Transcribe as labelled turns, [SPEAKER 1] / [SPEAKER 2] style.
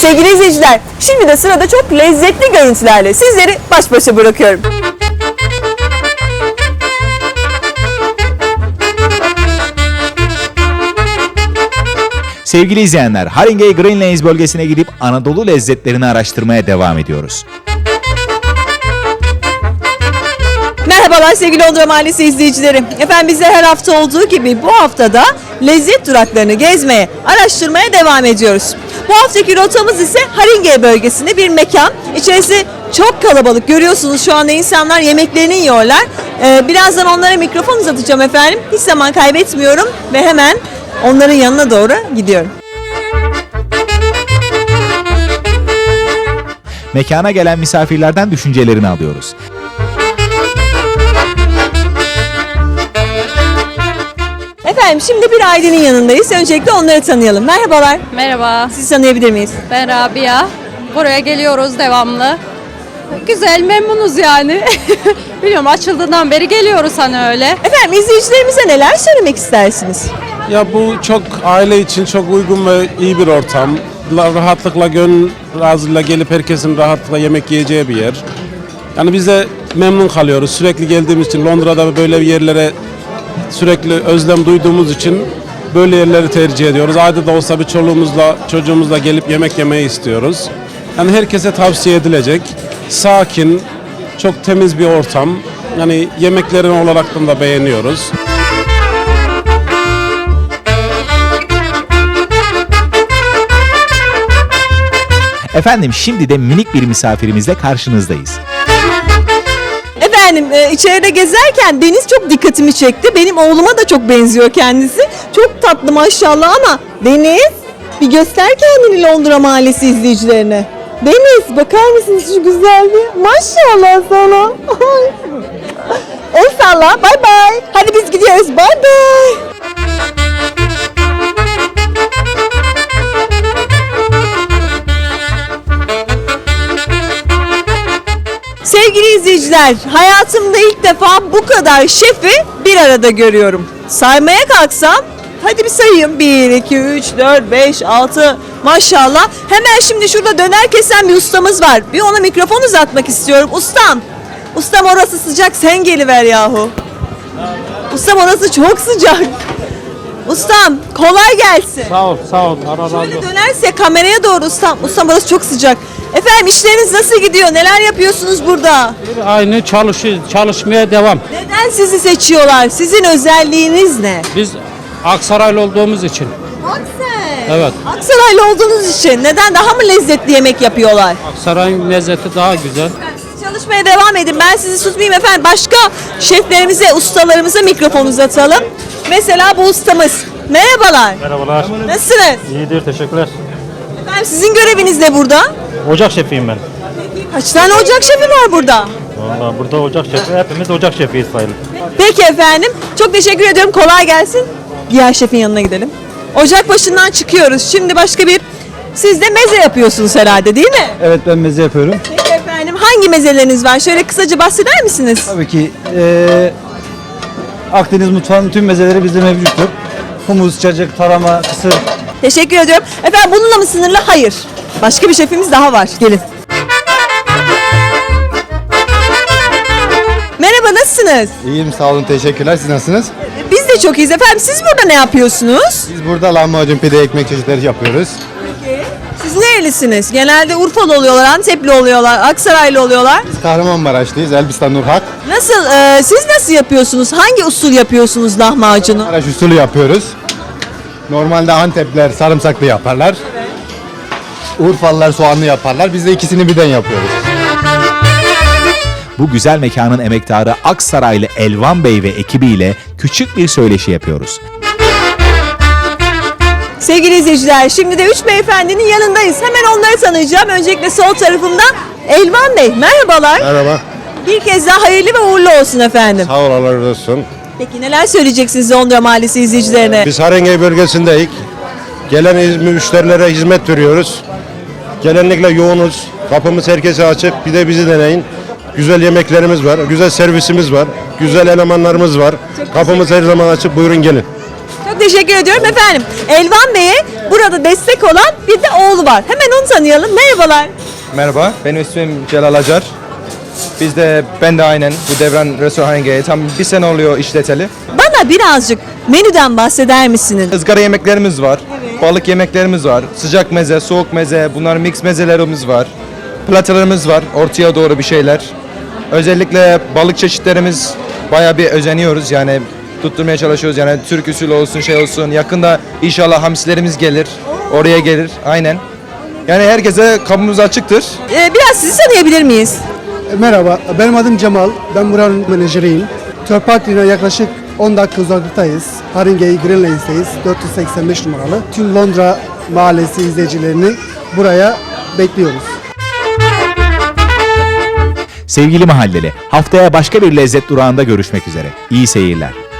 [SPEAKER 1] Sevgili izleyiciler, şimdi de sırada çok lezzetli görüntülerle sizleri baş başa bırakıyorum.
[SPEAKER 2] Sevgili izleyenler, Haringey Green Lanes bölgesine gidip Anadolu lezzetlerini araştırmaya devam ediyoruz.
[SPEAKER 1] Merhabalar sevgili Londra Mahallesi izleyicileri. Efendim bizler her hafta olduğu gibi bu haftada lezzet duraklarını gezmeye, araştırmaya devam ediyoruz. Bu haftaki rotamız ise Haringey bölgesinde bir mekan. İçerisi çok kalabalık. Görüyorsunuz şu anda insanlar yemeklerini yiyorlar. Birazdan onlara mikrofon uzatacağım efendim. Hiç zaman kaybetmiyorum ve hemen onların yanına doğru gidiyorum.
[SPEAKER 2] Mekana gelen misafirlerden düşüncelerini alıyoruz.
[SPEAKER 1] Efendim şimdi bir ailenin yanındayız. Öncelikle onları tanıyalım. Merhabalar.
[SPEAKER 3] Merhaba,
[SPEAKER 1] Sizi tanıyabilir miyiz?
[SPEAKER 3] ben Rabia. Buraya geliyoruz devamlı. Güzel, memnunuz yani. Biliyorum açıldığından beri geliyoruz hani öyle.
[SPEAKER 1] Efendim izleyicilerimize neler söylemek istersiniz?
[SPEAKER 4] Ya bu çok aile için çok uygun ve iyi bir ortam. Rahatlıkla gönül razıyla gelip herkesin rahatlıkla yemek yiyeceği bir yer. Yani biz de memnun kalıyoruz. Sürekli geldiğimiz için Londra'da böyle yerlere sürekli özlem duyduğumuz için böyle yerleri tercih ediyoruz. Ayda da olsa bir çoluğumuzla çocuğumuzla gelip yemek yemeyi istiyoruz. Yani herkese tavsiye edilecek. Sakin, çok temiz bir ortam. Yani yemeklerini olaraktan da beğeniyoruz.
[SPEAKER 2] Efendim şimdi de minik bir misafirimizle karşınızdayız.
[SPEAKER 1] Efendim içeride gezerken Deniz çok dikkatimi çekti. Benim oğluma da çok benziyor kendisi. Çok tatlı maşallah ama Deniz bir göster kendini Londra Mahallesi izleyicilerine. Deniz bakar mısınız şu güzelliğe? Maşallah sana. El salla bay bay. Hadi biz gidiyoruz bay bay. Sevgili izleyiciler, hayatımda ilk defa bu kadar şefi bir arada görüyorum. Saymaya kalksam, hadi bir sayayım. 1, 2, 3, 4, 5, 6, maşallah. Hemen şimdi şurada döner kesen bir ustamız var. Bir ona mikrofon uzatmak istiyorum. Ustam orası sıcak, sen geliver yahu. Ustam orası çok sıcak. Ustam, kolay gelsin.
[SPEAKER 5] Sağ ol. Allah razı
[SPEAKER 1] Şöyle
[SPEAKER 5] olsun.
[SPEAKER 1] dönerse kameraya doğru ustam. Ustam orası çok sıcak. Efendim işleriniz nasıl gidiyor? Neler yapıyorsunuz burada?
[SPEAKER 5] Aynı çalışmaya devam.
[SPEAKER 1] Neden sizi seçiyorlar? Sizin özelliğiniz ne?
[SPEAKER 5] Biz Aksaraylı olduğumuz için.
[SPEAKER 1] Aksaraylı.
[SPEAKER 5] Evet.
[SPEAKER 1] Aksaraylı olduğunuz için neden daha mı lezzetli yemek yapıyorlar?
[SPEAKER 5] Aksaray'ın lezzeti daha güzel.
[SPEAKER 1] Siz çalışmaya devam edin. Ben sizi tutmayayım efendim. Başka şeflerimize, ustalarımıza mikrofon uzatalım. Mesela bu ustamız. Merhabalar.
[SPEAKER 6] Merhabalar.
[SPEAKER 1] Nasılsınız?
[SPEAKER 6] İyidir, teşekkürler.
[SPEAKER 1] Efendim sizin göreviniz ne burada?
[SPEAKER 6] Ocak şefiyim ben.
[SPEAKER 1] Kaç tane ocak şefi var burada?
[SPEAKER 6] Vallahi burada ocak şefi, hepimiz ocak şefiyiz sayılır.
[SPEAKER 1] Peki efendim. Çok teşekkür ediyorum. Kolay gelsin. Diğer şefin yanına gidelim. Ocak başından çıkıyoruz. Şimdi başka bir... Siz de meze yapıyorsunuz herhalde değil mi?
[SPEAKER 7] Evet ben meze yapıyorum.
[SPEAKER 1] Peki efendim. Hangi mezeleriniz var? Şöyle kısaca bahseder misiniz?
[SPEAKER 7] Tabii ki Akdeniz mutfağının tüm mezeleri bizde mevcuttur. Humus, cacık, tarama, kısır.
[SPEAKER 1] Teşekkür ediyorum. Efendim bununla mı sınırlı? Hayır. Başka bir şefimiz daha var. Gelin. Merhaba nasılsınız?
[SPEAKER 8] İyiyim sağ olun teşekkürler. Siz nasılsınız?
[SPEAKER 1] Biz de çok iyiyiz efendim. Siz burada ne yapıyorsunuz?
[SPEAKER 8] Biz burada lahmacun, pide, ekmek çeşitleri yapıyoruz.
[SPEAKER 1] Siz nerelisiniz? Genelde Urfalı oluyorlar, Antepli oluyorlar, Aksaraylı oluyorlar.
[SPEAKER 8] Biz Kahramanmaraşlıyız. Elbistan Nurhak.
[SPEAKER 1] Nasıl? Siz nasıl yapıyorsunuz? Hangi usul yapıyorsunuz lahmacunu?
[SPEAKER 8] Maraş usulü yapıyoruz. Normalde Antepler sarımsaklı yaparlar. Urfalılar soğanlı yaparlar. Biz de ikisini birden yapıyoruz.
[SPEAKER 2] Bu güzel mekanın emektarı Aksaraylı Elvan Bey ve ekibiyle küçük bir söyleşi yapıyoruz.
[SPEAKER 1] Sevgili izleyiciler, şimdi de 3 beyefendinin yanındayız. Hemen onları tanıyacağım. Öncelikle sol tarafımda Elvan Bey. Merhabalar.
[SPEAKER 8] Merhaba.
[SPEAKER 1] Bir kez daha hayırlı ve uğurlu olsun efendim.
[SPEAKER 8] Sağ ol Allah razı olsun.
[SPEAKER 1] Peki neler söyleyeceksiniz Londra Mahallesi izleyicilerine?
[SPEAKER 8] Biz Haringey bölgesindeyiz. Gelen müşterilere hizmet veriyoruz. Genellikle yoğunuz. Kapımız herkese açık. Bir de bizi deneyin. Güzel yemeklerimiz var. Güzel servisimiz var. Güzel elemanlarımız var. Kapımız her zaman açık. Buyurun gelin.
[SPEAKER 1] Çok teşekkür ediyorum efendim. Elvan Bey'e burada destek olan bir de oğlu var. Hemen onu tanıyalım. Merhabalar.
[SPEAKER 9] Merhaba, benim ismim Celal Acar. Ben de aynen bu Devran Restoranı'nı tam bir sene oluyor işleteli.
[SPEAKER 1] Bana birazcık menüden bahseder misiniz?
[SPEAKER 9] Izgara yemeklerimiz var, balık yemeklerimiz var, sıcak meze, soğuk meze, bunlar mix mezelerimiz var. Platalarımız var, ortaya doğru bir şeyler. Özellikle balık çeşitlerimiz bayağı bir özeniyoruz yani tutturmaya çalışıyoruz yani Türk usulü olsun şey olsun. Yakında inşallah hamsilerimiz gelir, oraya gelir aynen. Yani herkese kapımız açıktır.
[SPEAKER 1] Biraz sizi tanıyabilir miyiz?
[SPEAKER 10] Merhaba, benim adım Cemal. Ben buranın menajeriyim. Törparkli'ne yaklaşık 10 dakika uzaklıktayız. Haringey Green Lane'deyiz. 485 numaralı. Tüm Londra mahallesi izleyicilerini buraya bekliyoruz.
[SPEAKER 2] Sevgili mahalleli, haftaya başka bir lezzet durağında görüşmek üzere. İyi seyirler.